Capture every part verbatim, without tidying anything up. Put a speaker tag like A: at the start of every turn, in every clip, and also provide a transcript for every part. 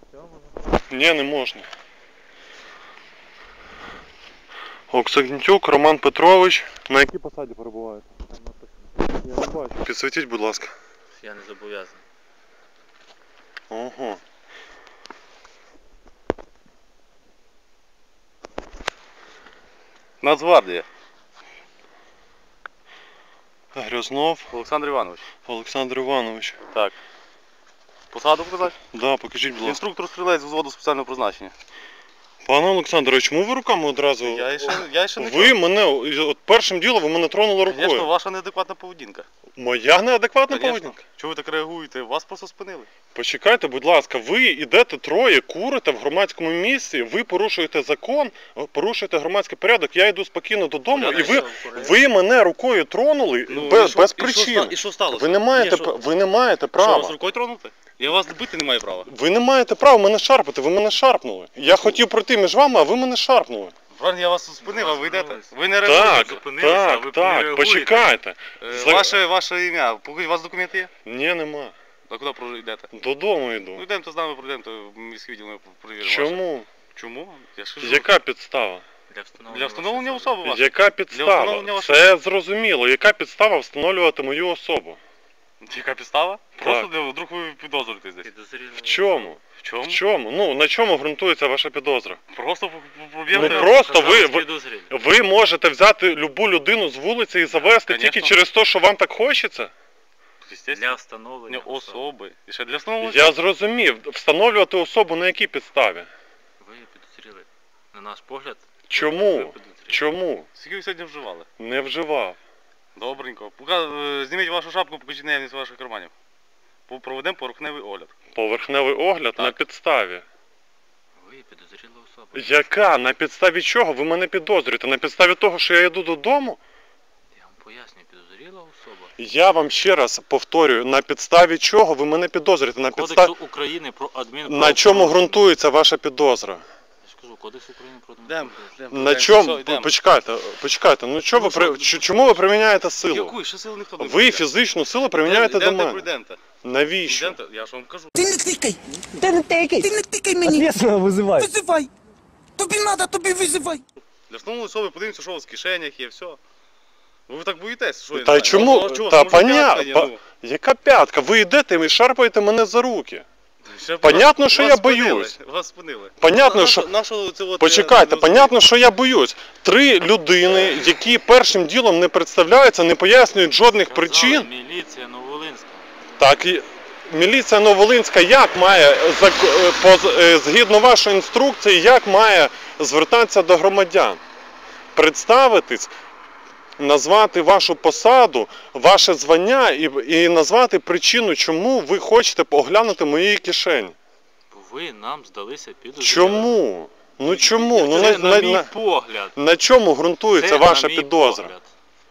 A: Ні, не можна. Оксагнітюк Роман Петрович. На якій посаді перебуваєте? Я не бачу. Підсвітіть, будь ласка.
B: Я не зобов'язаний.
A: Ого.
C: Нацгвардія.
A: Грязнов
C: Олександр Іванович.
A: Олександр Іванович.
C: Так. Посаду показати?
A: Да, покажіть, будь ласка.
C: Інструктор стрілець з взводу спеціального призначення.
A: Пане Олександре, чому ви руками одразу?
C: Я ще, я ще не
A: Ви мене, от першим ділом ви мене тронули рукою.
C: Звісно, ваша неадекватна поведінка.
A: Моя неадекватна
C: Конечно.
A: поведінка?
C: Чого ви так реагуєте? Вас просто спинили.
A: Почекайте, будь ласка, ви йдете троє, курите в громадському місці, ви порушуєте закон, порушуєте громадський порядок, я йду спокійно додому,
C: Порядок,
A: і ви, ви мене рукою тронули
C: Ну,
A: без,
C: і що-
A: без
C: і що
A: причин.
C: ста- І що сталося?
A: Ви не маєте,
C: Ні, що-
A: пр- ви не маєте
C: Що, вас
A: права.
C: рукою тронути? Я вас бити не маю права.
A: Ви не маєте права мене шарпати, ви мене шарпнули. Я хотів пройти між вами, а ви мене шарпнули.
C: Правильно, я вас спинив, а ви йдете. Ви не
A: Так,
C: реагуєте.
B: зупинилися, а ви
A: так,
B: не
A: так,
B: реагуєте.
A: почекайте.
C: Е,
A: За-
C: Ваше, ваше ім'я. Покажіть, у вас документи є?
A: Ні, нема.
C: А куди про- йдете?
A: Додому
C: Ну
A: йду.
C: йдемо, то з нами пройдемо, то в міський відділ ми перевіримо. ваше.
A: Чому?
C: Чому? Я ж кажу.
A: Яка підстава?
B: Для встановлення,
C: Для встановлення
B: вашої
C: особи вашої.
A: Яка підстава?
C: встановлення вашої-
A: Це зрозуміло. Яка підстава встановлювати мою особу?
C: Яка підстава? Просто для вдруг ви підозрюєтесь десь.
B: підозрілої
A: В чому?
C: В чому?
A: В чому? Ну, на чому ґрунтується ваша підозра?
C: Просто
A: Ну,
C: проб'єте.
A: просто ви, ви,
B: підозрілі.
A: ви можете взяти любу людину з вулиці і завести
C: Конечно.
A: тільки через те, що вам так хочеться?
B: Для встановлення
C: особи. І ще для встановлення.
A: Я зрозумів. Встановлювати особу на якій підставі?
B: Ви підозріли. На наш погляд. ви
A: Чому?
B: підозріли.
A: Чому?
C: Скільки ви сьогодні вживали?
A: Не вживав.
C: Добренько. Пока, е, зніміть вашу шапку, покажіть наявність ваших карманів. По- Проведемо поверхневий огляд.
A: Поверхневий огляд
C: Так.
A: на підставі.
B: Ви підозріла особа.
A: Яка? На підставі чого? Ви мене підозрюєте? На підставі того, що я йду додому?
B: Я вам пояснюю, підозріла особа.
A: Я вам ще раз повторюю, на підставі чого ви мене підозрюєте? На підставі...
B: Кодексу України про адмінправопорушення.
A: На чому ґрунтується ваша підозра?
B: Я ж кажу, Кодекс України про
C: Йдемо.
B: адмінправопорушення.
A: На чому? Почекайте, почекайте. Ну чого ви при... ч- чому ви приміняєте силу?
C: Яку? Ще сили ніхто не
A: Ви фізичну силу приміняєте до мене.
C: Пройдемте.
A: Навіщо?
C: Йдемте, я ж вам кажу.
D: Ти не тикай! Ти не тикай! Ти не тикай мені!
E: Ответственно вызывай.
D: Визивай! Тобі надо, тобі визивай!
C: Для встановлення особи подивимося, що у вас в кишенях є, все. Ви так боїтесь? Що я не
A: Та
C: знаю?
A: чому?
C: Ну, чого,
A: Та
C: може, п'ятка
A: понятно.
C: є,
A: Па...
C: ну?
A: Яка п'ятка? Ви йдете і шарпаєте мене за руки.
C: Ще б
A: Понятно,
C: вас-
A: що
C: вас
A: я
C: спинили,
A: боюсь.
C: Вас спинили.
A: Понятно,
C: На-
A: що-
C: на- на що це от,
A: Почекайте,
C: е,
A: понятно, що я боюсь. Три людини, які першим ділом не представляються, не пояснюють жодних
B: Сказали,
A: причин.
B: Міліція Нововолинська.
A: Так, і міліція Нововолинська як має, зак- е, поз- е, згідно вашої інструкції, як має звертатися до громадян? Представитись, назвати вашу посаду, ваше звання і, і назвати причину, чому ви хочете оглянути мої кишені.
B: Бо ви нам здалися підозрілими.
A: Чому? Ну чому? Ну,
B: Це
A: на,
B: на,
A: на,
B: мій
A: на,
B: погляд.
A: на чому ґрунтується
B: Це
A: ваша
B: на мій
A: підозра?
B: погляд.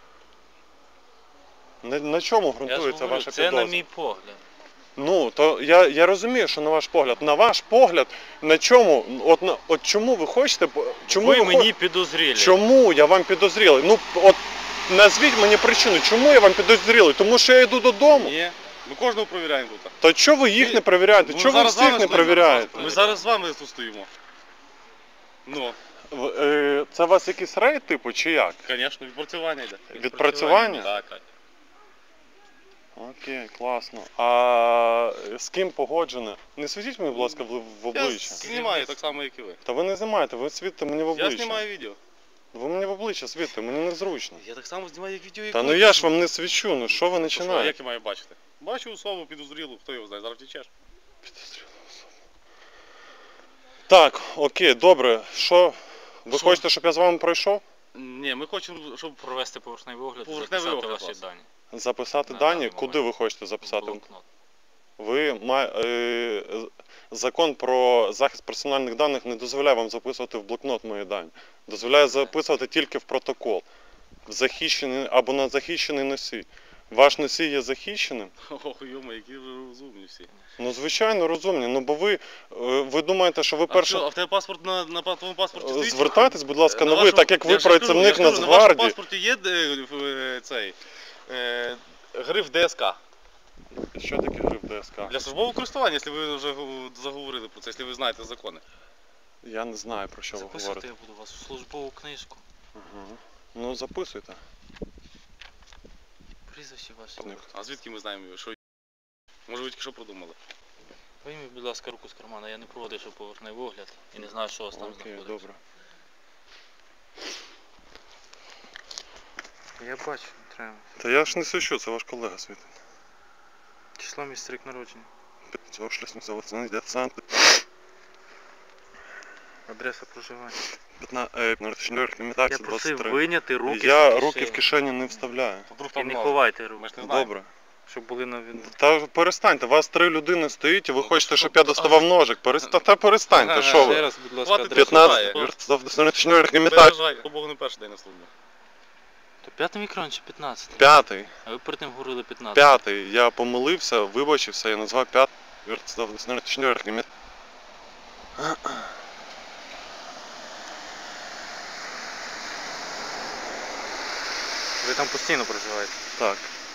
A: На, на чому
B: Я ж
A: ґрунтується
B: говорю,
A: ваша
B: це
A: підозра?
B: на мій погляд.
A: Ну, то я, я розумію, що на ваш погляд. На ваш погляд, на чому? От, на, от чому ви хочете? Чому
B: ви
A: ви
B: мені
A: хочете?
B: підозрілі.
A: Чому я вам підозрілий? Ну, от назвіть мені причину, чому я вам підозрілий? Тому що я йду додому.
C: Ні. Ми кожного перевіряємо тут.
A: То чого ви їх
C: Ми-
A: не перевіряєте?
C: Ми
A: Чого ви
C: зараз з
A: всіх
C: вами
A: не
C: стоїмо.
A: перевіряєте?
C: Ми зараз з вами тут стоїмо. Ну,
A: В- е, Це у вас якийсь рейд типу чи як?
C: звісно, відпрацювання йде.
A: Відпрацювання?
C: Так, так.
A: Окей, класно. А з ким погоджено? Не світіть мені, будь ласка, в, в
C: Я
A: обличчя.
C: знімаю так само, як і ви.
A: Та ви не знімаєте, ви світите мені в обличчя.
C: Я знімаю відео.
A: Ви мені в обличчя світите, мені незручно.
C: Я так само знімаю як відео, як
A: Та
C: ви.
A: ну я ж вам не свічу, ну що ви
C: То що,
A: починаєте?
C: як я маю бачити? Бачу особу підозрілу, хто його знає, зараз втічеш.
A: Так, окей, добре. Що? Ви
C: Що?
A: хочете, щоб я з вами пройшов?
C: Ні, ми хочемо, щоб
B: Провести поверхневий огляд і
C: Поверхневий
B: записати
C: огляд
B: ваші
C: вас.
B: дані.
A: Записати
B: На
A: дані?
B: даний
A: Куди
B: момент.
A: ви хочете записати?
B: Блокнот.
A: Ви має, е, закон про захист персональних даних не дозволяє вам записувати в блокнот мої дані. Дозволяє записувати тільки в протокол. В захищений або на захищений носій. Ваш носій є захищеним?
C: Ох, йома, які ви розумні всі.
A: Ну, звичайно, розумні. Ну, бо ви, е, ви думаєте, що ви
C: А,
A: перше...
C: що, а в тебе паспорт на, на твоєму паспорті стоїть?
A: Звертайтесь, будь ласка, на
C: На
A: ви,
C: вашому-
A: так як ви
C: я ж кажу,
A: працівник
C: я ж кажу, На вашому
A: Нацгвардії.
C: паспорті є е, е, цей, е, гриф ДСК.
A: Що таке гриф ДСК?
C: Для службового користування, якщо ви вже гу- заговорили про це, якщо ви знаєте закони.
A: Я не знаю, про що ви
B: Записувати
A: говорите.
B: я буду вас у службову книжку.
A: Угу. Ну записуйте.
B: Прізвище ваше.
A: Ні.
C: А звідки ми знаємо, що може ви тільки що продумали?
B: Вийміть, будь ласка, руку з кармана. Я не проводив ще поверхневий огляд і не знаю, що у вас там
A: Окей,
B: знаходиться.
A: добре.
B: Я бачу, треба.
A: Та я ж не свищу, це ваш колега світить.
B: Число місяць рік народження. Адреса проживання. Я просив вийняти руки
A: Я
B: з
A: руки в
B: кишені.
A: кишені не вставляю.
C: Вдруг
B: І
C: там
B: не
C: нож.
B: ховайте руки,
C: Ми ж не знаємо.
A: Добре.
B: щоб були на виду.
A: Та перестаньте, вас три людини стоїть і ви
C: Ну,
A: хочете,
C: то
A: щоб
C: що?
A: я доставав ножик. Переста... Та перестаньте,
C: Ага,
A: що
B: Ще
A: ви?
B: раз, будь ласка,
C: Хватить
B: адресу.
C: п'ятнадцять.
A: п'ятнадцятий.
C: Переживай, Богу не перший день на службі.
B: То п'ятий мікрон чи п'ятнадцятий?
A: П'ятий.
B: А ви перед тим говорили п'ятнадцятий.
A: П'ятий. Я помилився, вибачився, я назвав п'ятий.
B: Ви там постійно проживаєте.
A: Так.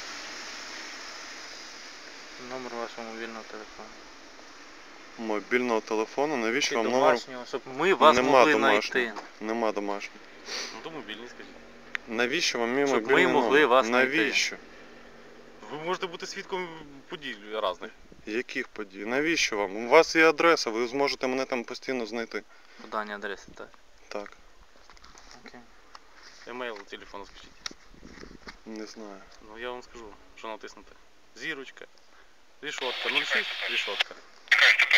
B: Номер вашого мобільного телефону.
A: Мобільного телефону, навіщо
B: Чи
A: вам номер?
B: домашнього, щоб ми вас
A: Нема
B: могли
A: домашнього.
B: знайти.
A: Нема домашнього.
C: Ну то мобільний, скажіть.
A: Навіщо вам мій
B: Щоб ми
A: мобільний
B: могли
A: номер?
B: вас знайти.
A: Навіщо?
C: Ви можете бути свідком подій різних.
A: Яких подій? Навіщо вам? У вас є адреса, ви зможете мене там постійно знайти.
B: Подання адреси, так.
A: Так,
B: Окей.
C: Емейл, телефон скажіть.
A: не знаю.
C: Ну я вам скажу, що натиснути. Зірочка, рішотка, нуль шість, рішотка.